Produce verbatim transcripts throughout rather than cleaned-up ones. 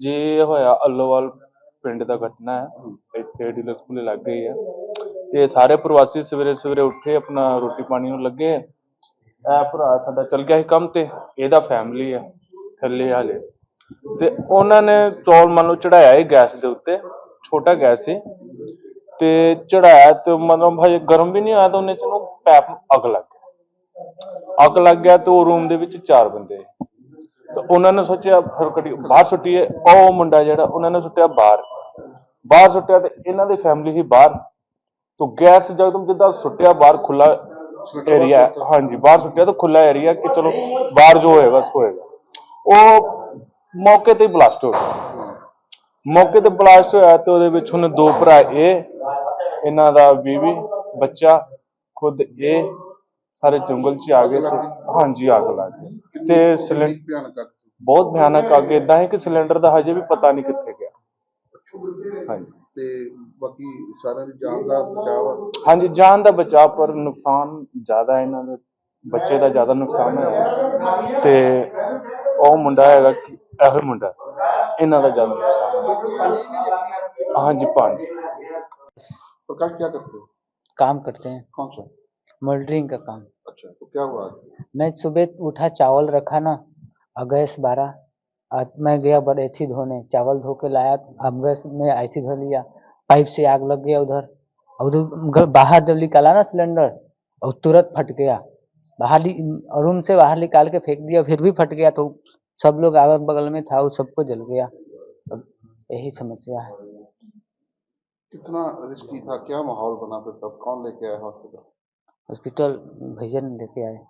जी ਇਹ ਹੋਇਆ ਅੱਲੋਵਾਲ ਪਿੰਡ ਦਾ ਘਟਨਾ ਹੈ। ਇੱਥੇ ਡੀਲਕਸ ਪੁਲੇ ਲੱਗ ਗਈ ਹੈ ਤੇ ਸਾਰੇ ਪ੍ਰਵਾਸੀ ਸਵੇਰੇ ਸਵੇਰੇ ਉੱਠੇ ਆਪਣਾ ਰੋਟੀ ਪਾਣੀ ਨੂੰ ਲੱਗੇ। ਇਹ ਭਰਾ ਸਾਡਾ ਚਲ ਗਿਆ ਸੀ ਕੰਮ ਤੇ, ਇਹਦਾ ਫੈਮਿਲੀ ਹੈ ਥੱਲੇ ਹਾਲੇ, ਤੇ ਉਹਨਾਂ ਨੇ ਚੌਲ ਮੰਨ ਲਓ ਚੜਾਇਆ ਹੀ ਗੈਸ ਦੇ ਉੱਤੇ, ਛੋਟਾ ਗੈਸ ਸੀ ਤੇ ਚੜਾਇਆ ਤੇ ਮਤਲਬ ਹਜੇ ਗਰਮ ਵੀ ਨਹੀਂ ਹੋਇਆ ਤਾਂ ਉਹਨੇ ਚ ਉਹਨੂੰ ਪੈਪ ਨੂੰ ਅੱਗ ਲੱਗ ਗਿਆ। ਅੱਗ ਲੱਗ ਗਿਆ ਤੇ ਉਹ ਰੂਮ ਦੇ ਵਿੱਚ ਚਾਰ ਬੰਦੇ, ਤਾਂ ਉਹਨਾਂ ਨੇ ਸੋਚਿਆ ਫਿਰ ਕਦੀ ਬਾਹਰ ਸੁੱਟੀਏ। ਉਹ ਮੁੰਡਾ ਜਿਹੜਾ ਉਹਨਾਂ ਨੇ ਸੁੱਟਿਆ ਬਾਹਰ, ਬਾਹਰ ਸੁੱਟਿਆ ਤੇ ਇਹਨਾਂ ਦੀ ਫੈਮਿਲੀ ਹੀ ਬਾਹਰ, ਤੋਂ ਗੈਸ ਜਕਦਮ ਜਿੱਦਾਂ ਸੁੱਟਿਆ ਬਾਹਰ ਖੁੱਲਾ ਏਰੀਆ, ਹਾਂਜੀ ਬਾਹਰ ਸੁੱਟਿਆ ਤਾਂ ਖੁੱਲਾ ਏਰੀਆ ਕਿ ਚਲੋ ਬਾਹਰ ਜੋ ਹੋਏਗਾ ਸੋ ਹੋਏਗਾ। ਉਹ ਮੌਕੇ ਤੇ ਬਲਾਸਟ ਹੋ ਗਿਆ। ਮੌਕੇ ਤੇ ਬਲਾਸਟ ਹੋਇਆ ਤੇ ਉਹਦੇ ਵਿੱਚ ਹੁਣ ਦੋ ਭਰਾ, ਇਹ ਇਹਨਾਂ ਦਾ ਬੀਵੀ ਬੱਚਾ, ਖੁਦ ਇਹ ਸਾਰੇ ਜੰਗਲ 'ਚ ਆ ਗਏ ਤੇ ਹਾਂਜੀ ਅੱਗ ਲੱਗ ਗਈ। ਤੇ ਸਿਲੰਡਰ ਬਹੁਤ ਭਿਆਨਕ ਅੱਗ ਏਦਾਂ ਹੈ ਕਿ ਸਿਲੰਡਰ ਦਾ ਹਜੇ ਵੀ ਪਤਾ ਨਹੀਂ ਕਿੱਥੇ ਗਿਆ। ਹਾਂਜੀ ਤੇ ਬਾਕੀ ਸਾਰਿਆਂ ਦੀ ਜਾਨ ਦਾ ਬਚਾਅ, ਹਾਂਜੀ ਜਾਨ ਦਾ ਬਚਾਅ, ਪਰ ਨੁਕਸਾਨ ਜ਼ਿਆਦਾ ਇਹਨਾਂ ਦੇ ਬੱਚੇ ਦਾ ਜ਼ਿਆਦਾ ਨੁਕਸਾਨ ਹੋਇਆ ਤੇ ਉਹ ਮੁੰਡਾ ਹੈਗਾ ਇਹੋ ਮੁੰਡਾ, ਇਹਨਾਂ ਦਾ ਜ਼ਿਆਦਾ ਨੁਕਸਾਨ। ਹਾਂਜੀ ਪੰਜ। प्रकाश क्या करते हो? काम करते हैं, कौन सा? मोल्डरिंग का काम। अच्छा, तो क्या हुआ आज? मैं सुबह उठा, चावल रखा ना, और गैस बारह, आज मैं गया बड़ेथी धोने, चावल धो के लाया, अब गैस में ऐथी धो लिया, पाइप से आग लग गया उधर। और उधर बाहर जब निकाला ना सिलेंडर, और तुरंत फट गया। बाहर रूम से बाहर निकाल के फेंक दिया, फिर भी फट गया, तो सब लोग अगल बगल में था, वो सबको जल गया। यही समस्या है। कितना रिस्की था, क्या माहौल बना फिर तब? कौन लेके आया हॉस्पिटल? हॉस्पिटल भैया ने लेके आए।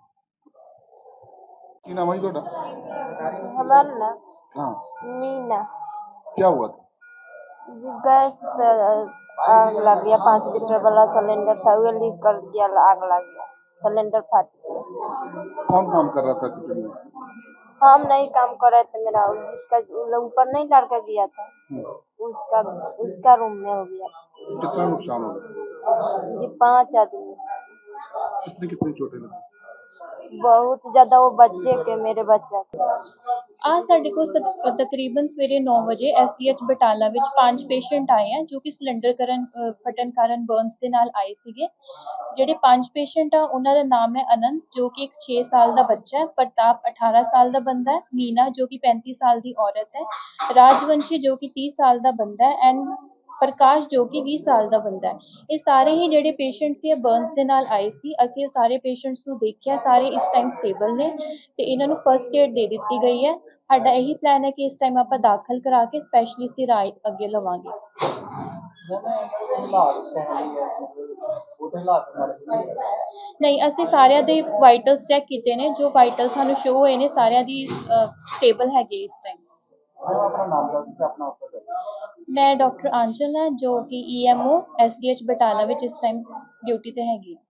की नाम है ਤੁਹਾਡਾ? हमारा ना हाँ, मीना। क्या हुआ था? गैस से आग लग गया, पाँच लीटर वाला सिलेंडर था, वो लीक कर दिया, आग लग गया, सिलेंडर फट गया। कौन काम कर रहा था किचन में? हम नहीं काम कर रहे थे, मेरा जिसका ऊपर नहीं लड़का गया था उसका उसका रूम में हो गया। कितना नुकसान हो गया? जी पांच आदमी, कितने कितने चोटें लगी? बहुत ज्यादा, वो बच्चे के, मेरे बच्चा के। ਆ ਸਾਡੇ ਕੋਲ ਸ- ਤਕਰੀਬਨ ਸਵੇਰੇ ਨੌ ਵਜੇ ਐਸ ਡੀ ਐਚ ਬਟਾਲਾ ਵਿੱਚ ਪੰਜ ਪੇਸ਼ੈਂਟ ਆਏ ਆ ਜੋ ਕਿ ਸਿਲੰਡਰ ਕਰਨ ਅ, ਫਟਣ ਕਾਰਨ ਬਰਨਸ ਦੇ ਨਾਲ ਆਏ ਸੀਗੇ। ਜਿਹੜੇ ਪੰਜ ਪੇਸ਼ੈਂਟ ਆ ਉਹਨਾਂ ਦਾ ਨਾਮ ਹੈ ਅਨੰਤ ਜੋ ਕਿ ਇੱਕ ਛੇ ਸਾਲ ਦਾ ਬੱਚਾ ਹੈ, ਪ੍ਰਤਾਪ ਅਠਾਰਾਂ ਸਾਲ ਦਾ ਬੰਦਾ ਹੈ, ਮੀਨਾ ਜੋ ਕਿ ਪੈਂਤੀ ਸਾਲ ਦੀ ਔਰਤ ਹੈ, ਰਾਜਵੰਸ਼ੀ ਜੋ ਕਿ ਤੀਹ ਸਾਲ ਦਾ ਬੰਦਾ ਹੈ, ਐਂਡ ਪ੍ਰਕਾਸ਼ ਜੋ ਕਿ ਵੀਹ ਸਾਲ ਦਾ ਬੰਦਾ ਹੈ। ਇਹ ਸਾਰੇ ਹੀ ਜਿਹੜੇ ਪੇਸ਼ੈਂਟ ਸੀ ਬਰਨਸ ਦੇ ਨਾਲ ਆਏ ਸੀ। ਅਸੀਂ ਉਹ ਸਾਰੇ ਪੇਸ਼ੈਂਟਸ ਨੂੰ ਦੇਖਿਆ, ਸਾਰੇ ਇਸ ਟਾਈਮ ਸਟੇਬਲ ਨੇ ਤੇ ਇਹਨਾਂ ਨੂੰ ਫਸਟ ਏਡ ਦੇ ਦਿੱਤੀ ਗਈ ਹੈ। ਸਾਡਾ ਇਹੀ ਪਲਾਨ ਹੈ ਕਿ ਇਸ ਟਾਈਮ ਆਪਾਂ ਦਾਖਲ ਕਰਾ ਕੇ ਸਪੈਸ਼ਲਿਸਟ ਦੀ ਰਾਏ ਅੱਗੇ ਲਵਾਂਗੇ। ਨਹੀਂ, ਅਸੀਂ ਸਾਰਿਆਂ ਦੇ ਵਾਈਟਲਸ ਚੈੱਕ ਕੀਤੇ ਨੇ, ਜੋ ਵਾਈਟਲ ਸਾਨੂੰ ਸ਼ੋ ਹੋਏ ਨੇ ਸਾਰਿਆਂ ਦੀ ਸਟੇਬਲ ਹੈਗੇ ਇਸ ਟਾਈਮ। ਮੈਂ ਡਾਕਟਰ ਆਂਚਲ ਹਾਂ ਜੋ ਕਿ E M O S D H Batala ਵਿੱਚ ਇਸ ਟਾਈਮ ਡਿਊਟੀ ਤੇ ਹੈਗੀ ਹਾਂ।